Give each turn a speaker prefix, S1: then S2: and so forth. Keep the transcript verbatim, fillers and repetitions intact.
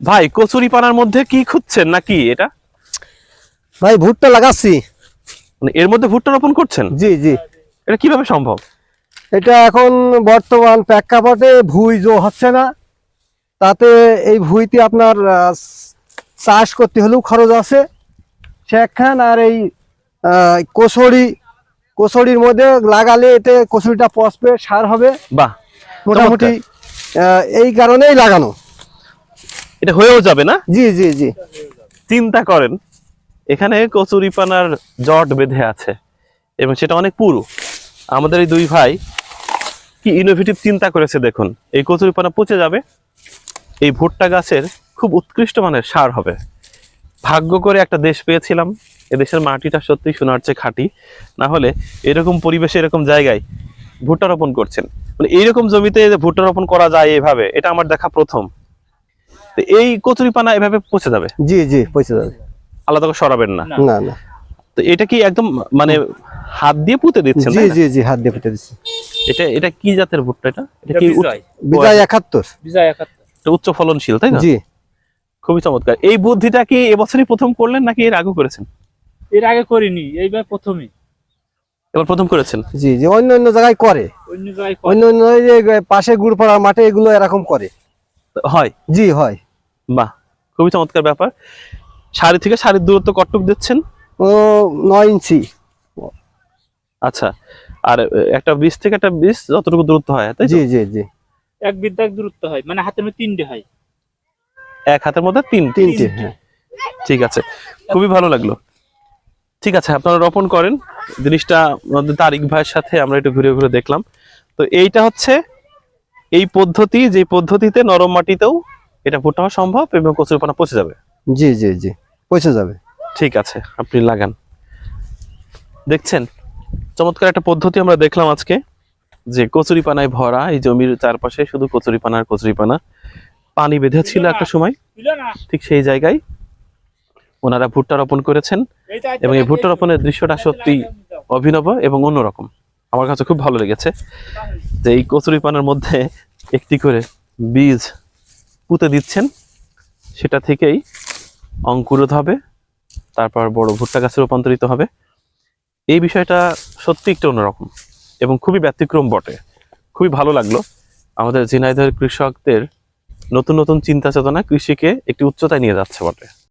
S1: ভাই কচুরি পানার মধ্যে কি খুঁজছেন নাকি এটা?
S2: ভাই ভুট্টা লাগাচ্ছি।
S1: মানে এর মধ্যে ভুট্টা রোপণ করছেন?
S2: জি জি।
S1: এটা কিভাবে সম্ভব?
S2: এটা এখন বর্তমান প্রেক্ষাপটে ভুঁই জো হচ্ছে না, তাতে এই ভুঁইতে আপনার আহ, চাষ করতে হলেও খরচ আছে সেখান। আর এই আহ, কচুরি কচুরির মধ্যে লাগালে এতে কচুরিটা পচবে, সার হবে
S1: বাহ,
S2: মোটামুটি। আহ, এই কারণেই লাগানো।
S1: এটা হয়েও যাবে না?
S2: জি জি জি।
S1: চিন্তা করেন, এখানে কচুরি পানার জট বেঁধে আছে এবং সেটা অনেক পুরু। আমাদের এই দুই ভাই কি ইনোভেটিভ চিন্তা করেছে দেখুন। এই কচুরি পানা পচে যাবে, এই ভুট্টা গাছের খুব উৎকৃষ্ট মানের সার হবে। ভাগ্য করে একটা দেশ পেয়েছিলাম, এদেশের মাটিটা সত্যি সোনার চেয়ে খাঁটি। না হলে এরকম পরিবেশে এরকম জায়গায় ভুট্টা রোপণ করছেন, মানে এইরকম জমিতে যে ভুট্টা রোপণ করা যায় এভাবে, এটা আমার দেখা প্রথম। তো এই কচুরি পানা এভাবে পচে যাবে?
S2: জি জি পচে যাবে,
S1: আলাদা করে সরাবেন না?
S2: না না।
S1: তো এটা কি একদম মানে হাত দিয়ে পুঁতে দিচ্ছেন?
S2: জি জি জি, হাত দিয়ে পুঁতে দিচ্ছি।
S1: এটা এটা কি জাতের ভুট্টা? এটা এটা কি
S2: বিজয় একাত্তর।
S3: বিজয় একাত্তর।
S1: এটা উচ্চ ফলনশীল, তাই না?
S2: জি।
S1: খুবই চমৎকার। এই বুদ্ধিটা কি এবছরই প্রথম করলেন নাকি এর আগে করেছেন?
S3: এর আগে করিনি, এইবার প্রথমে।
S1: এবার প্রথম করেছেন?
S2: জি জি, অন্য অন্য জায়গায় করে,
S3: অন্য জায়গায়
S2: অন্য অন্য এই যে পাশে গুড় পড়া মাঠে এগুলো এরকম করে।
S1: হয়?
S2: জি হয়।
S1: বাহ, খুবই চমৎকার ব্যাপার। সারি থেকে সারির দূরত্ব কতটুকু দিচ্ছেন?
S2: ও নয় ইঞ্চি।
S1: আচ্ছা, আর একটা বীজ থেকে একটা বীজ যতটুকু দূরত্ব হয়, তাই তো?
S2: জি জি জি।
S3: এক বিদ্যাক দূরত্ব হয়, মানে হাতের মধ্যে তিনটে হয়।
S1: এক হাতের মধ্যে তিন
S2: তিনটে, হ্যাঁ।
S1: ঠিক আছে, খুবই ভালো লাগলো। ঠিক আছে, আপনারা রোপণ করেন। জিনিসটা আমাদের তারিক ভাইয়ের সাথে আমরা একটু ঘুরে ঘুরে দেখলাম। তো এইটা হচ্ছে এই পদ্ধতি, যে পদ্ধতিতে নরম মাটিতেও এটা ভুট্টা হওয়া সম্ভব এবং কচুরি পানা পচে যাবে।
S2: জি জি জি, পচে যাবে।
S1: ঠিক আছে, আপনি লাগান। দেখছেন, চমৎকার একটা পদ্ধতি আমরা দেখলাম আজকে, যে কচুরি পানায় ভরা এই জমির চারপাশে শুধু কচুরি পানা আর কচুরি পানা। পানি বেঁধে ছিল একটা সময়, ঠিক সেই জায়গায় ওনারা ভুট্টা রোপণ করেছেন এবং এই ভুট্টা রোপণের দৃশ্যটা সত্যি অভিনব এবং অন্যরকম। আমার কাছে খুব ভালো লেগেছে যে এই কচুরি পানার মধ্যে একটি করে বীজ পুঁতে দিচ্ছেন, সেটা থেকেই অঙ্কুরোধ হবে, তারপর বড় ভুট্টা গাছে রূপান্তরিত হবে। এই বিষয়টা সত্যি একটু অন্যরকম এবং খুবই ব্যতিক্রম বটে। খুবই ভালো লাগলো। আমাদের ঝিনাইদহের কৃষকদের নতুন নতুন চিন্তা চেতনা কৃষিকে একটি উচ্চতায় নিয়ে যাচ্ছে বটে।